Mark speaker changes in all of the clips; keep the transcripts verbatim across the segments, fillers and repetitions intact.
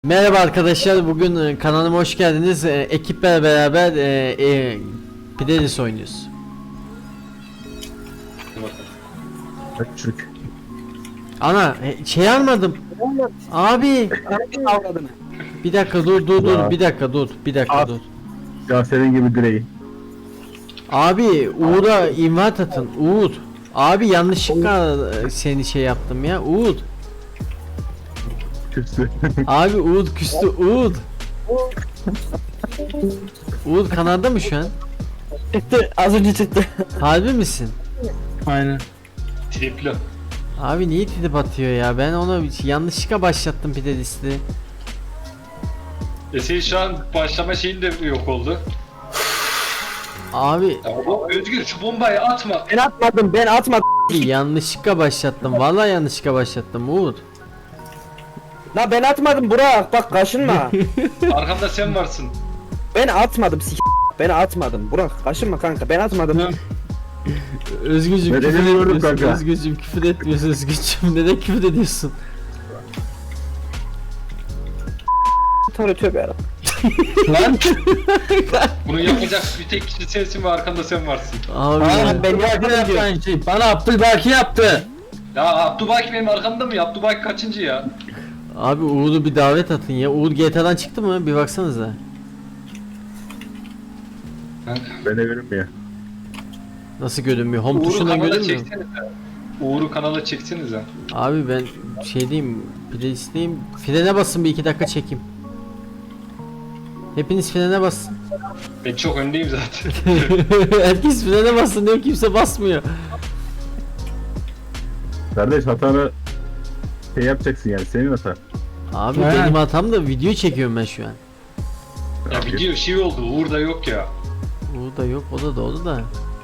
Speaker 1: Merhaba arkadaşlar, bugün e, kanalıma hoş geldiniz. E, ekiple beraber e, e, Pidelis oynuyoruz.
Speaker 2: Küçük.
Speaker 1: Ana e, şey almadım. Abi bir dakika dur dur dur
Speaker 2: Ya.
Speaker 1: bir dakika dur bir dakika
Speaker 2: Al.
Speaker 1: dur.
Speaker 2: Ya senin gibi direği.
Speaker 1: Abi Uğur'a invite atın. Uğur. Abi yanlışlıkla e, seni şey yaptım ya. Uğur.
Speaker 2: Küstü.
Speaker 1: Abi Uğur küstü. Uğur. Uğur kanalda mı şu an?
Speaker 3: Çıktı, az önce çıktı.
Speaker 1: Harbi misin?
Speaker 3: Aynen.
Speaker 4: Tripli.
Speaker 1: Abi niye trip atıyor ya? Ben ona yanlışlıkla başlattım Pidelis'i.
Speaker 4: E senin şu an başlama şeyin de yok oldu.
Speaker 1: Abi
Speaker 4: Ya o Özgür şu bombayı atma.
Speaker 3: Ben atmadım, ben atmadım.
Speaker 1: yanlışlıkla başlattım. Vallahi yanlışlıkla başlattım Uğur.
Speaker 3: La ben atmadım Burak, bak kaşınma.
Speaker 4: Arkamda sen varsın.
Speaker 3: Ben atmadım s***. Ben atmadım Burak, kaşınma kanka, ben atmadım.
Speaker 1: Özgürcüm
Speaker 2: Ben
Speaker 1: küfür
Speaker 2: elini gördüm
Speaker 1: etmiyorsun.
Speaker 2: kanka.
Speaker 1: Özgürcüm küfür etmiyorsun. Özgürcüm neden küfür ediyorsun?
Speaker 3: Tövbe tövbe yarabbim.
Speaker 1: Lan.
Speaker 4: Bunu yapacak bir tek kişi sensin ve arkamda sen varsın.
Speaker 1: Abi
Speaker 3: Aa,
Speaker 1: ya.
Speaker 3: ben yardım ediyorum.
Speaker 5: Şey, bana Abdülbaki yaptı.
Speaker 4: Ya Abdülbaki benim arkamda mı ya? Abdülbaki kaçıncı ya?
Speaker 1: Abi Uğur'u bir davet atın ya. Uğur G T A'dan çıktı mı? Bir baksanıza.
Speaker 2: Ben de görünmüyor.
Speaker 1: Nasıl görünmüyor? Home
Speaker 4: Uğur'u
Speaker 1: tuşundan
Speaker 4: kanala
Speaker 1: görünmüyor.
Speaker 4: çeksenize. Uğur'u kanala çeksenize.
Speaker 1: Abi ben şey diyeyim, Pidelis'teyim. Frene basın bir iki dakika çekeyim. Hepiniz frene basın.
Speaker 4: Ben çok öndeyim zaten.
Speaker 1: Herkes frene basın diyor, kimse basmıyor.
Speaker 2: Kardeş hatanı şey yapacaksın yani senin hatan.
Speaker 1: Abi
Speaker 5: He.
Speaker 1: benim hatam da video çekiyorum ben şu an.
Speaker 4: Ya video şey oldu. Uğur da yok ya.
Speaker 1: Uğur da yok, o da doğdu da.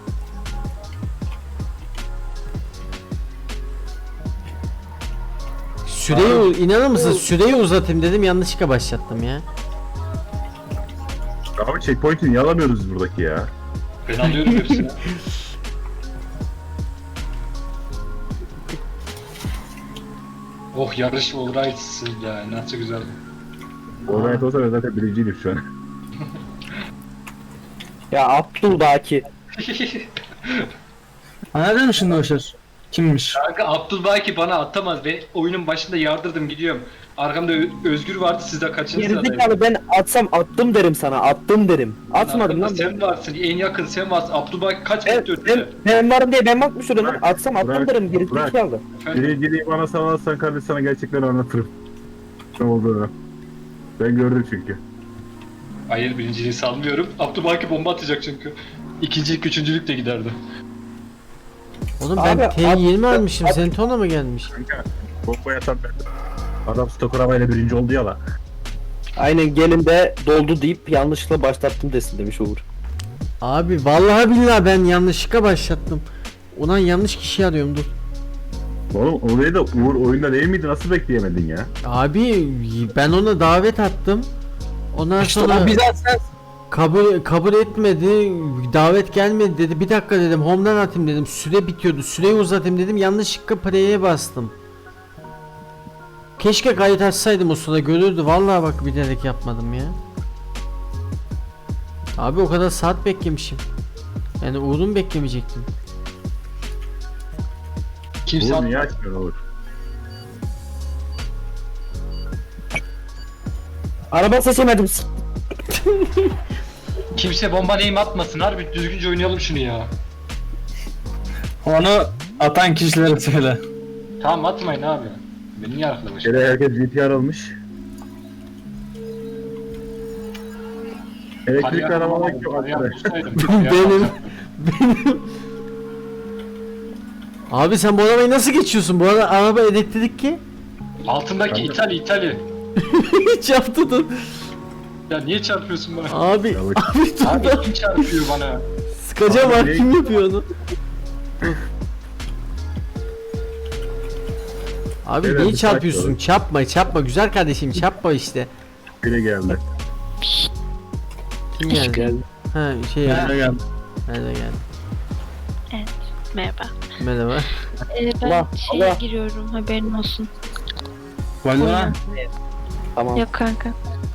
Speaker 1: Süreyi u- inanır mısın? Süreyi uzatayım dedim, yanlışlıkla başlattım ya.
Speaker 2: Abi checkpoint'i niye alamıyoruz biz buradaki ya?
Speaker 4: Ben alıyorum hepsini. Oh yarış Uğur'aysın ya. Nasıl güzel.
Speaker 2: Organize olsa ben zaten birinciydim şu an.
Speaker 3: Ya Abdülbaki.
Speaker 5: Anladın mı şimdi o söz? Kimmiş?
Speaker 4: Kanka Abdülbaki bana atamaz. Ben oyunun başında yardırdım gidiyorum. Arkamda Ö- Özgür vardı, siz de kaçıncı sıradaydı?
Speaker 3: Gerizekalı, ben atsam attım derim sana, attım derim. Atmadım
Speaker 4: Arkamda
Speaker 3: lan ben.
Speaker 4: sen varsın, en yakın sen varsın. Abdülbaki kaç
Speaker 3: Ben,
Speaker 4: metre
Speaker 3: ben,
Speaker 4: ötede?
Speaker 3: ben varım diye ben bakmış olayım lan.
Speaker 2: Bırak,
Speaker 3: Atsam attım
Speaker 2: bırak,
Speaker 3: derim, gerizekalı.
Speaker 4: Efendim?
Speaker 2: Birinciliği bana salarsan kardeş sana gerçekten anlatırım. Ne olduğunu. Ben gördüm çünkü.
Speaker 4: Hayır, birinciliği salmıyorum. Abdülbaki bomba atacak çünkü. İkincilik, üçüncülük de giderdi.
Speaker 1: Oğlum ben
Speaker 3: Abi,
Speaker 1: T yirmi
Speaker 3: at-
Speaker 1: almışım,
Speaker 3: at-
Speaker 1: senin tona mı gelmiş?
Speaker 2: Kanka bomba yatan ben. Adam stok arabayla birinci oldu ya la.
Speaker 3: Aynen, gelin de doldu deyip yanlışlıkla başlattım desin demiş Uğur.
Speaker 1: Abi vallahi billahi ben yanlışlıkla başlattım. Ulan yanlış kişi arıyorum, dur.
Speaker 2: Oğlum orayı da Uğur oyunda değil miydi? Nasıl bekleyemedin ya?
Speaker 1: Abi ben ona davet attım. Ondan
Speaker 5: İşte
Speaker 1: sonra
Speaker 5: o bizzat sen.
Speaker 1: kabul kabul etmedi. Davet gelmedi dedi. Bir dakika dedim. Home'dan atayım dedim. Süre bitiyordu. Süreyi uzatayım dedim. Yanlışlıkla play'e bastım. Keşke kayıt açsaydım, o sırada görürdü. Vallahi bak bilerek yapmadım ya. Abi o kadar saat beklemişim. Yani Uğur'u beklemeyecektim.
Speaker 4: Kimse
Speaker 2: Uğur niye
Speaker 4: at-
Speaker 2: açmıyor Uğur?
Speaker 3: Araba seçemedim. s-
Speaker 4: kimse bomba neyim atmasın. Harbi düzgünce oynayalım şunu ya.
Speaker 5: Onu atan kişilere söyle.
Speaker 4: Tamam atmayın abi. Beni niye arkalamış?
Speaker 2: Gene herkes G T R almış. Elektrikli arabalar yok arkadaş.
Speaker 1: Benim. Benim. Abi sen bu arabayı nasıl geçiyorsun? Bu arada araba elektrikli ki.
Speaker 4: Altındaki
Speaker 2: Kanka.
Speaker 4: İtalya İtalya.
Speaker 1: Hiç yaptırdın.
Speaker 4: Ya niye çarpıyorsun bana?
Speaker 1: Abi,
Speaker 2: Yavaş.
Speaker 1: abi dur
Speaker 4: Abi
Speaker 1: da
Speaker 4: kim çarpıyor bana?
Speaker 1: sıkacağım
Speaker 2: Abi,
Speaker 1: abi,
Speaker 2: ne-
Speaker 1: kim yapıyor onu? Abi
Speaker 2: Evet,
Speaker 1: niye
Speaker 2: bir
Speaker 1: çarpıyorsun?
Speaker 2: sakin ol.
Speaker 1: Çarpma, çarpma güzel kardeşim, çarpma işte.
Speaker 2: Biri geldi.
Speaker 1: Kim geldi? Ha şey ya.
Speaker 5: Nerede geldi?
Speaker 1: Nerede geldi?
Speaker 6: Evet, merhaba.
Speaker 1: Merhaba.
Speaker 6: Ee, ben
Speaker 3: Allah,
Speaker 6: şeye
Speaker 3: Allah.
Speaker 6: giriyorum, haberin olsun.
Speaker 5: Valorant.
Speaker 3: Tamam.
Speaker 6: Yok kanka.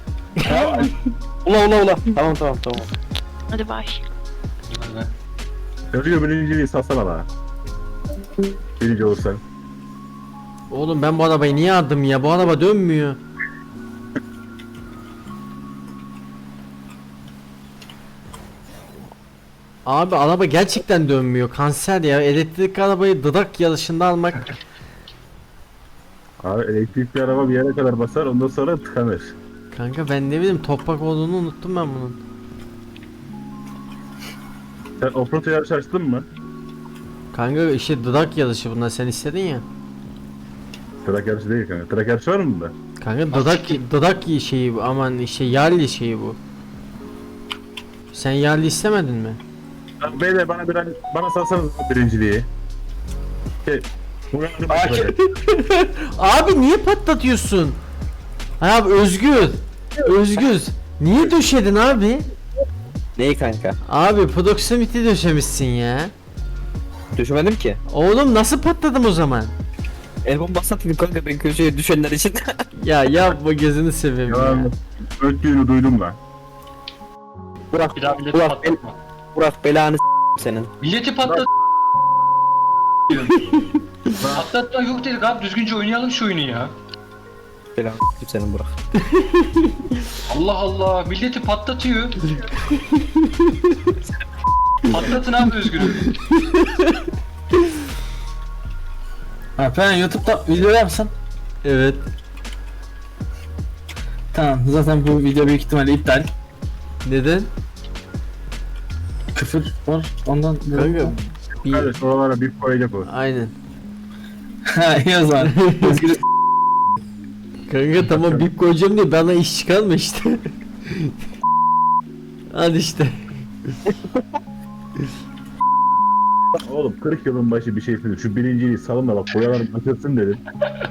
Speaker 3: Ula ula ula. Tamam tamam tamam.
Speaker 6: Hadi bay.
Speaker 2: Özgür birinciliği satsana bana. Birinci olursan.
Speaker 1: Oğlum ben bu arabayı niye aldım ya? Bu araba dönmüyor. Abi araba gerçekten dönmüyor. Kanser ya. Elektrikli arabayı dıdak yarışında almak.
Speaker 2: Abi elektrikli araba bir yere kadar basar ondan sonra tıkanır.
Speaker 1: Kanka ben ne bileyim toprak olduğunu unuttum ben bunun.
Speaker 2: Sen offroad yarışı açtın mı?
Speaker 1: Kanka işte dıdak yarışı bunlar sen istedin ya.
Speaker 2: Trak yarışı değil kanka. Trak yarışı var mı bunda?
Speaker 1: Kanka dıdak dıdak şeyi bu aman işte yerli şeyi bu. Sen yerli istemedin mi?
Speaker 2: Abi beyler bana bir bana salsanız birinciliği. Şey, bu yarışı başlayacak.
Speaker 1: Abi niye patlatıyorsun? Abi Özgür. Özgür. Niye döşedin abi?
Speaker 3: Neyi kanka?
Speaker 1: Abi proximity döşemişsin ya.
Speaker 3: Düşmedim ki.
Speaker 1: Oğlum nasıl patladım o zaman?
Speaker 3: El bombası atayım kanka ben köşeye düşenler için.
Speaker 1: Ya yapma gözünü seveyim ya.
Speaker 2: Yalan. Öttüğünü duydum lan.
Speaker 3: Burak,
Speaker 4: Bir daha milleti
Speaker 3: Burak, bel,
Speaker 4: patlatma.
Speaker 3: Burak belanı s- senin.
Speaker 4: Milleti patlat. Patlatma yok dedik abi, düzgünce oynayalım şu oyunu ya.
Speaker 3: Belanı s- senin Burak.
Speaker 4: Allah Allah, milleti patlatıyor. Patlatın abi Özgür'ü.
Speaker 5: Ha ben YouTube'da video yapsın.
Speaker 1: Evet.
Speaker 5: Tamam zaten bu video büyük ihtimalle iptal.
Speaker 1: Neden?
Speaker 5: Küfür var ondan.
Speaker 1: Kanka bir...
Speaker 2: Kardeş oralara bir koyacak o.
Speaker 1: Aynen.
Speaker 5: Ha iyi o zaman. Özgür
Speaker 1: Kanka tamam bip koyacağım diye bana iş çıkarma işte. Hadi işte.
Speaker 2: Oğlum kırk yılın başı bir şey söyledim. Şu birinciliği salın da bak boyalarım açılsın dedim.